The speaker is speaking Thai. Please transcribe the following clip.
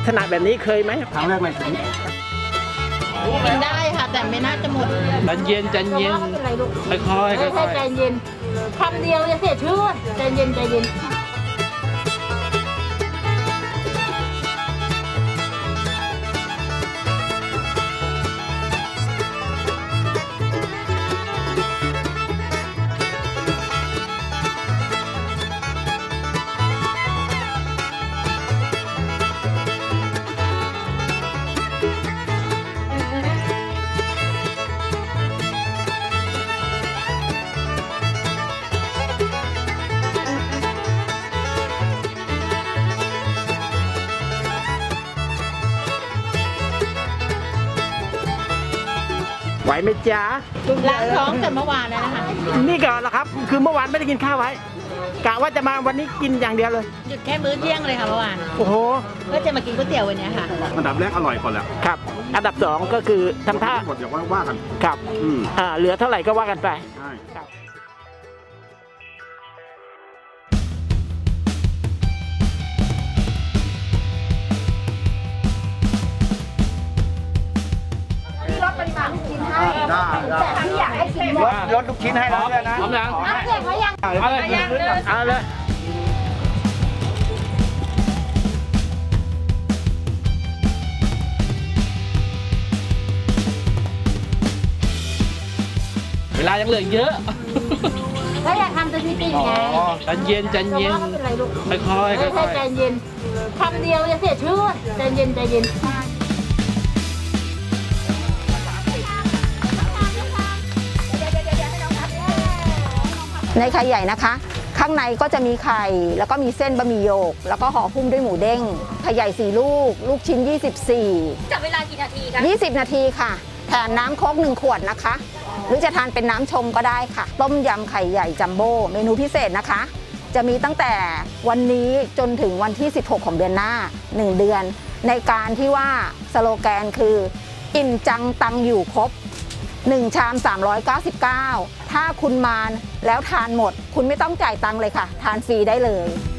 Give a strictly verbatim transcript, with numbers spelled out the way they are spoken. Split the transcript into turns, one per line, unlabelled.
ถนัดแบบนี้เคยไหม
ครั้งแรกในชีวิต
กินได้ค่ะแต่ไม่น่าจะหมด
ใจเย็นใจเย็นค่อยๆค่อย
ไม่ใช่ใจเย็นคำเดียวจะเสียชื่อใจเย็นใจเย็น
ไหวไหมจ๊ะ
ล้างท้องแต่เมื่อวานแล้วนะคะ
นี่ก่อนละครับ คือเมื่อวานไม่ได้กินข้าวไว้กะว่าจะมาวันนี้กินอย่างเดียวเลย
หยุดแค่มื้อเที่ยงเลยค่ะเมื่อวาน
โอ้โห
ก็จะมากินก๋วยเตี๋ยววันนี้ค่ะ
อันดับแรกอร่อยก่อนแหละ
ครับ อันดับสองก็คือทำท่า
หมดอย่างว่าว่ากัน
ครับ
อืม
อ่าเหลือเท่าไหร่ก็ว่ากันไป
ใช่
ครับ
ได้ได้
ลดลูกชิ้นให้แล้วด้วยนะ
พร้อมยัง
น้ำเสียงเขายัง
เอาเลย
เอาเลย
เวลายังเหลือเยอะ
ก็อยากทำสถิติไง
ใจเย็นใจเย็น
ไม่เป็นไรลูก
ค่อยๆค่
ไม่ใช่
อย
ใจเย็นคำเดียวจะเสียชื่อใจเย็นใจเย็น
ในไข่ใหญ่นะคะ ข้างในก็จะมีไข่แล้วก็มีเส้นบะหมี่โยก แล้วก็ห่อหุ้มด้วยหมูเด้งไข่ใหญ่สี่ลูก ลูกชิ้นยี่สิบสี่
จับเวลากี่นาทีคะ
ยี่สิบนาทีค่ะแถมน้ำโค้กหนึ่งขวดนะคะ หรือจะทานเป็นน้ำชงก็ได้ค่ะ ต้มยำไข่ใหญ่จัมโบ้เมนูพิเศษนะคะ จะมีตั้งแต่วันนี้จนถึงวันที่สิบหกของเดือนหน้าหนึ่งเดือน ในการที่ว่าสโลแกนคืออิ่มจังตังอยู่ครบหนึ่งชามสามร้อยเก้าสิบเก้าถ้าคุณมาแล้วทานหมด คุณไม่ต้องจ่ายตังค์เลยค่ะ ทานฟรีได้เลย